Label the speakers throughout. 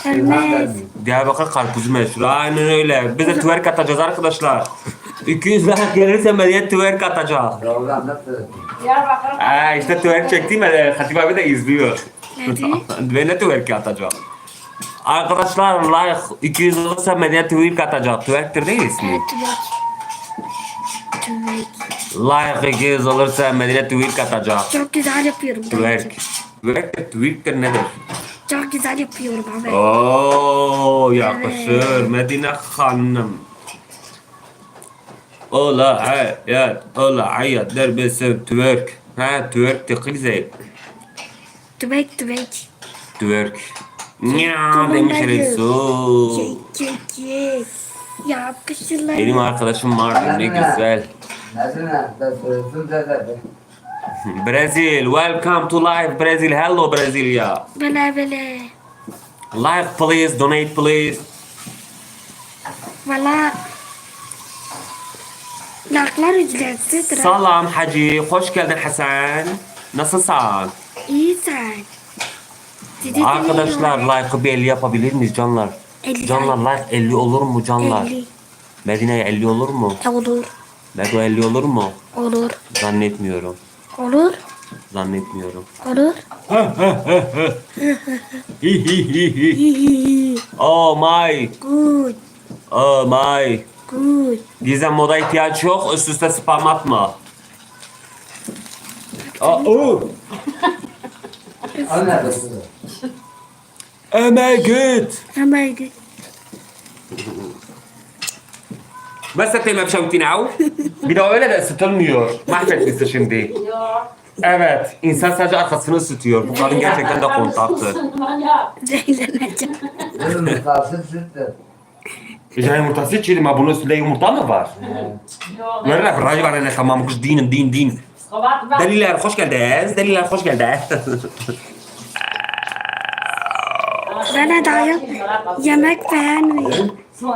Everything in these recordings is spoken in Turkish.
Speaker 1: Ölmez.
Speaker 2: Diyarbakır karpuzu meşhur. Aynen öyle. Biz de twerk atacağız arkadaşlar. 200 like gelirse Medeniyet twerk atacak.
Speaker 3: Program nasıl?
Speaker 2: İşte twerk çektiğim Hatip abi de izliyor. Ben de twerk atacağım. Arkadaşlar like 200 olursa Medeniyet twerk atacak. Twerk'tir değil ismi.
Speaker 1: Evet, tübek.
Speaker 2: Like 200 olursa Medeniyet twerk atacak.
Speaker 1: Çok güzel yapıyorum.
Speaker 2: Twerk. Twerk'tir nedir?
Speaker 1: Çok güzel yapıyorum abi.
Speaker 2: Oo yakışır Medine Hanım. Ola hayat, ola hayat derbesi twerk. Ha twerk tıkılzey.
Speaker 1: Tübek.
Speaker 2: Twerk. Nya demiş Resul.
Speaker 1: Kek. Yakışırlar.
Speaker 2: Benim arkadaşım vardı ne güzel.
Speaker 3: Nasıl ne? Soruyorsun zaten.
Speaker 2: Brazil, welcome to live Brazil. Hello Brasilia.
Speaker 1: Böyle.
Speaker 2: Like please, donate please.
Speaker 1: Valla. Laklar ücretsizdir.
Speaker 2: Salam Hacı, hoş geldin Hasan. Nasılsın?
Speaker 1: İyi sen. Sizi
Speaker 2: Arkadaşlar
Speaker 1: dinliyorum.
Speaker 2: like'ı bir 50 yapabilir miyiz canlar?
Speaker 1: 50
Speaker 2: Canlar like 50 olur mu canlar?
Speaker 1: 50.
Speaker 2: Medine'ye 50 olur mu?
Speaker 1: Olur.
Speaker 2: Medo 50 olur mu?
Speaker 1: Olur.
Speaker 2: Zannetmiyorum.
Speaker 1: Olur.
Speaker 2: Zannetmiyorum.
Speaker 1: Olur.
Speaker 2: Oh my.
Speaker 1: Good.
Speaker 2: Oh my.
Speaker 1: Good.
Speaker 2: Gizem moda ihtiyaç yok. Üst üste spam atma. Oh
Speaker 3: Anladın.
Speaker 2: my god.
Speaker 1: Hemen git.
Speaker 2: بس ما بشوتين عو bir de öyle de ısıtılmıyor. Mahvetmişsin şimdi. Evet, insan sadece arkasını ısıtıyor. Bu kadın gerçekten de kontaktı.
Speaker 1: Zehirleneceğim.
Speaker 3: Bunun kalsın süttü.
Speaker 2: Ya yumurtası içelim ha, bunun üstünde yumurta mı var? Nerede racı var ne tamam kız din. Deliler hoş geldiniz. Deliler hoş geldiniz.
Speaker 1: Bana dayak yemek beğenmiyor.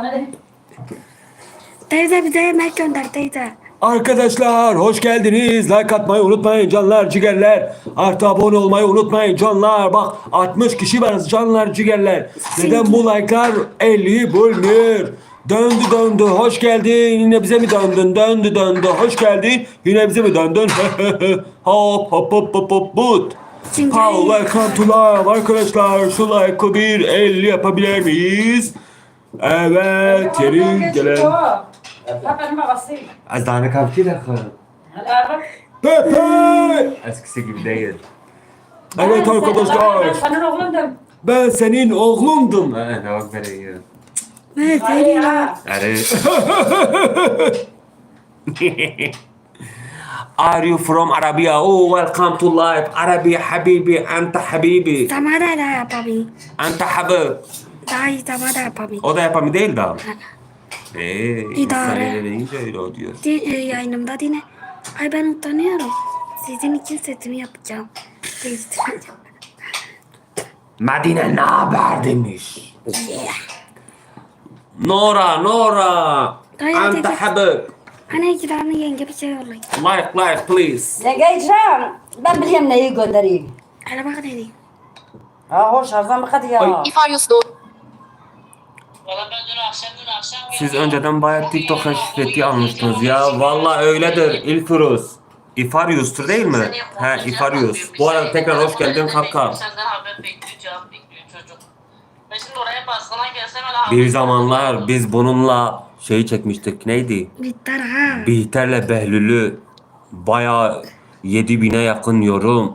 Speaker 1: Teyze bize yemek gönder teyze.
Speaker 2: Arkadaşlar hoş geldiniz. Like atmayı unutmayın canlar cigerler. Artı abone olmayı unutmayın canlar. Bak 60 kişi varız canlar cigerler. Neden bu like'lar 50 bulmuyor? Döndü hoş geldin. Yine bize mi döndün? Döndü hoş geldin. Yine bize mi döndün? hop but.
Speaker 1: Çünkü
Speaker 2: Welcome to live arkadaşlar. Şu like'ı bir 50 yapabilir miyiz? Evet yeri gelen. Az daha ne kapçı da Pepe! Eskisi gibi değil. Evet arkadaşlar.
Speaker 4: Senin oğlundum.
Speaker 2: Ben senin oğlumdum. Ne bak böyle ya.
Speaker 1: evet senin
Speaker 2: Yani. Are you from Arabia? Oh, welcome to live. Arabi habibi, anta habibi.
Speaker 1: Sana da yapabilir.
Speaker 2: Anta habib.
Speaker 1: Daha iyi sana da yapabilir.
Speaker 2: O da yapamıyor değil de.
Speaker 1: İdare.
Speaker 2: İnsan öyle deyince öyle o diyor.
Speaker 1: Yayınımda yine. Ay ben utanıyorum. Sizin için setimi yapacağım. Değiştireceğim.
Speaker 2: Medine ne haber demiş.
Speaker 1: Yeah.
Speaker 2: Nora.
Speaker 1: Gayet
Speaker 2: Anta
Speaker 1: iyi.
Speaker 2: habib.
Speaker 1: Hani iki tane yenge bir şey yollayın.
Speaker 2: Like please.
Speaker 4: Ne geleceğim? Ben biliyorum neyi göndereyim.
Speaker 1: Hele bak ne diyeyim.
Speaker 4: Ha hoş Arzan bak hadi ya.
Speaker 5: İfaryos doğru.
Speaker 2: Siz önceden bayağı TikTok keşfeti almıştınız ya. Vallahi öyledir İlfuruz. İfaryus'tur değil mi? He İfaryus. Bu arada tekrar hoş geldin kanka.
Speaker 5: Senden haber bekliyor, cevap bekliyor çocuk. Ben şimdi oraya baskına gelsem öyle
Speaker 2: Bir zamanlar biz bununla şeyi çekmiştik. Neydi?
Speaker 1: Bitter ha.
Speaker 2: Bihter'le Behlül'ü bayağı 7000'e yakın yorum.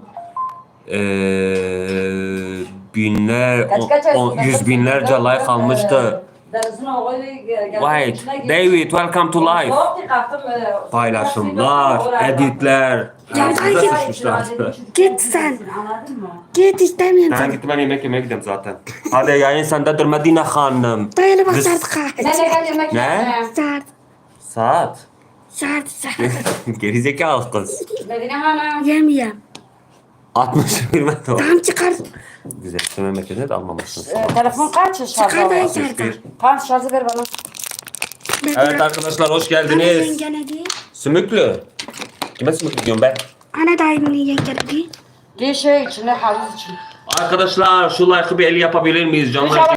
Speaker 2: Binler, yüz binlerce like almıştı. Wait, David, welcome to live. Paylaşımlar, editler.
Speaker 1: Ya
Speaker 2: Bize
Speaker 1: git.
Speaker 2: sıçmışlar.
Speaker 1: Git sen.
Speaker 4: Anladın mı?
Speaker 1: Git istemiyorum
Speaker 2: Ben
Speaker 1: seni.
Speaker 2: gittim ben yemek yemeye gidiyorum zaten. Hadi yayın sendedir Medine Hanım.
Speaker 1: Dayanı bak
Speaker 2: Biz-
Speaker 1: şart
Speaker 4: Ne
Speaker 1: kaç.
Speaker 4: gel yemek
Speaker 2: Ne?
Speaker 4: yemeye?
Speaker 1: Şart.
Speaker 2: Saat.
Speaker 1: Şart.
Speaker 2: Gerizekalı kız.
Speaker 4: Medine Hanım.
Speaker 1: Yemeyeyim.
Speaker 2: 60 bilmem de
Speaker 1: Tamam çıkar.
Speaker 2: Güzel. Şu memlekete de almamışsın.
Speaker 4: Telefon kaç şarjı?
Speaker 1: Çıkar da
Speaker 4: var?
Speaker 1: içeride.
Speaker 4: Tamam şarjı ver bana.
Speaker 2: Evet arkadaşlar hoş
Speaker 1: Hani
Speaker 2: geldiniz.
Speaker 1: yenge ne diyor?
Speaker 2: Sümüklü. Kime sümüklü diyorum ben?
Speaker 1: Ana dayımın yenge ne diyor?
Speaker 4: Bir şey içinde havuz için.
Speaker 2: Arkadaşlar şu like'ı bir 50 yapabilir miyiz canlar?
Speaker 4: İnşallah